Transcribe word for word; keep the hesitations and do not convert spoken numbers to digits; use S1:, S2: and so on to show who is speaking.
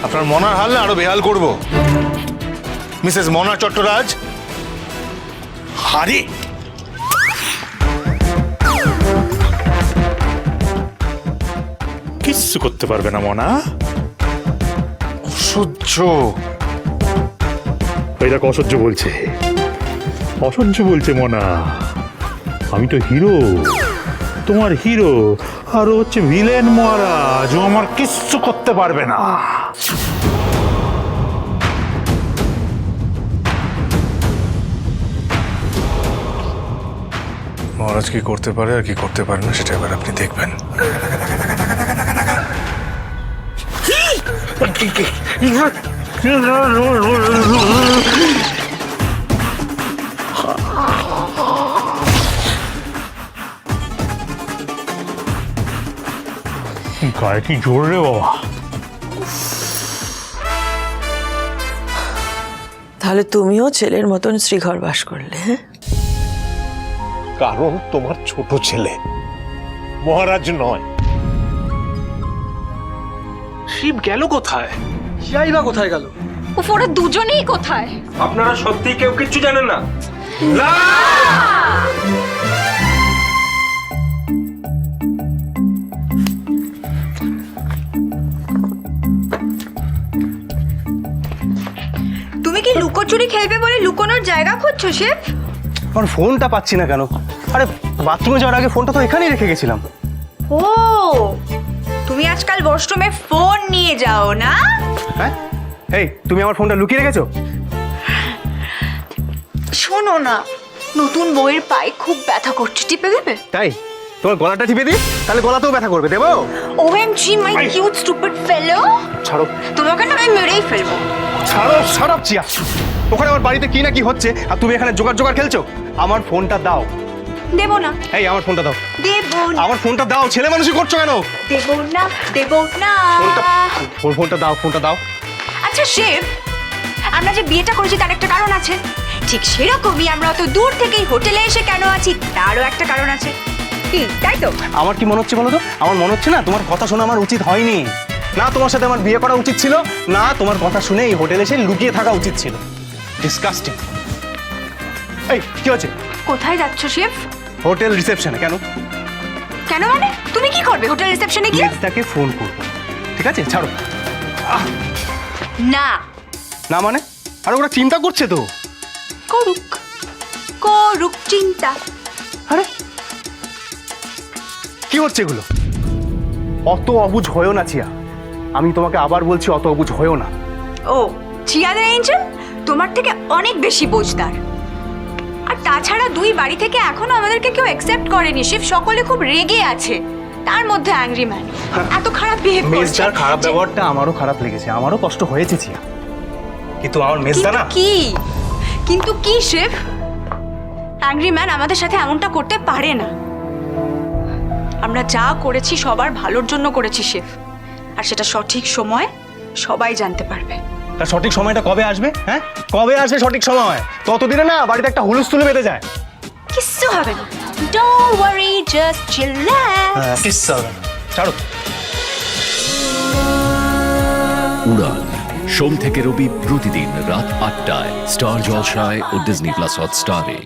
S1: আপনার মনার হাল না আরো বেহাল করব। মিসেস মনা চট্টরাজ, হারি
S2: কিচ্ছু করতে পারবে না মনা।
S1: অসহ্য।
S2: ওই দেখো অসহ্য বলছে, অসহ্য বলছে মনা। আমি তো হিরো, তোমার হিরো, আর ও হচ্ছে ভিলেন মহারাজ। ও আমার কিচ্ছু করতে পারবে না।
S1: মহারাজ কি করতে পারে আর কি করতে পারে না সেটা এবার আপনি দেখবেন।
S2: গায়ে কি জোর রে বাবা।
S3: তাহলে তুমিও ছেলের মতন শ্রীঘর বাস করলে? হ্যাঁ,
S4: কারণ তোমার ছোট ছেলে, মহারাজ নয়।
S5: শিব গেল কোথায়? যাই বা কোথায় গেল?
S6: উফ, ওরা দুজনেই কোথায়?
S5: আপনারা সত্যি কেউ কিচ্ছু জানেন না? না!
S6: তুমি কি লুকোচুরি খেলবে বলে লুকোনোর জায়গা খুঁজছো শেফ?
S7: আমার ফোনটা পাচ্ছি না কেন? আরে বাথরুমে যাওয়ার আগে ফোনটা তো এখানেই রেখে গেছিলাম।
S6: ও, তুমি আজকাল ওয়াশরুমে ফোন নিয়ে যাও না?
S7: হ্যাঁ, এই তুমি আমার ফোনটা লুকিয়ে রেখেছো?
S6: শোনো না, নতুন বইয়ের পায়ে খুব ব্যথা করছে, টিপে দেবে?
S7: তাই তোমার গলাটা টিপে দিই, তাহলে গলাতেও ব্যথা করবে। দেবো?
S6: OMG my cute stupid fellow.
S7: ছাড়ো,
S6: তোমাকে না আমি মেরেই ফেলবো।
S7: ছাড়ো, ছাড়ো চিয়া। ওখানে আমার বাড়িতে কি না কি হচ্ছে আর তুমি এখানে জোগাড় জোগাড় খেলছো। আমার ফোনটা দাও।
S6: দেবো না।
S7: এই আমার ফোনটা দাও।
S6: দেবো না।
S7: আমার ফোনটা দাও। ছেলে মানুষই করছো কেন?
S6: দেবো না, দেবো না।
S7: ফোনটা, ওর ফোনটা দাও, ফোনটা দাও।
S6: আচ্ছা শেফ, আমরা যে বিয়েটা করেছি তার একটা কারণ আছে। ঠিক সেরকমই আমরা অত দূর থেকেই হোটেলে এসে কেন আছি তারও একটা কারণ আছে। কি তাই তো?
S7: আমার কি মনে হচ্ছে বলো তো? আমার মনে হচ্ছে না তোমার কথা শোনা আমার উচিত হয়নি। না তোমার সাথে আমার বিয়ে করা উচিত ছিল, না তোমার কথা শুনে এই হোটেলে এসে লুকিয়ে থাকা উচিত ছিল। ডিসকাস্টিং। এই কি হচ্ছে?
S6: কোথায় যাচ্ছ শেফ?
S7: হোটেল রিসেপশনে। কেন?
S6: কেন মানে? তুমি কি করবে হোটেল রিসেপশনে গিয়ে?
S7: মেজদাকে ফোন করবো। ঠিক আছে, ছাড়ো।
S6: না।
S7: না মানে? আর ওরা চিন্তা করছে তো।
S6: করুক, করুক চিন্তা।
S7: আরে কি হচ্ছে এগুলো? অত অবুঝ হয়েও না চিয়া। আমি তোমাকে আবার বলছি, অত অবুঝ হয়েও না।
S6: ও, চিয়াদা এঞ্জেল তোমার থেকে অনেক বেশি বোঝদার। আর তাছাড়া দুই বাড়ি থেকে এখনো আমাদেরকে কেউ অ্যাকসেপ্ট করেনি শেফ। সকলে খুব রেগে আছে, তার মধ্যে অ্যাংরি ম্যান এত খারাপ বিহেভ করছে।
S7: মেজদার খারাপ ব্যবহারটা আমারও খারাপ লেগেছে, আমারও কষ্ট হয়েছে চিয়া। কিন্তু আমার মেজদা না।
S6: কি কিন্তু কি শেফ? অ্যাংরি ম্যান আমাদের সাথে এমনটা করতে পারে না। আমরা যা করেছি সবার ভালোর জন্য করেছি শেফ, আর সেটা সঠিক সময় সবাই জানতে পারবে।
S7: তার সঠিক সময়টা কবে আসবে? হ্যাঁ, কবে আসবে সঠিক সময়? ততদিনে না বাড়িতে একটা হুলস্থুল বেঁধে যায়।
S6: কিচ্ছু হবে না, ডোন্ট ওয়ারি, জাস্ট চিল্লাক্স।
S7: হ্যাঁ, কিচ্ছু হবে না, ছাড়ো।
S8: উড়ান সোম থেকে রবি প্রতিদিন রাত আটটায় স্টার জলসায় ও ডিজনি প্লাস হটস্টারে।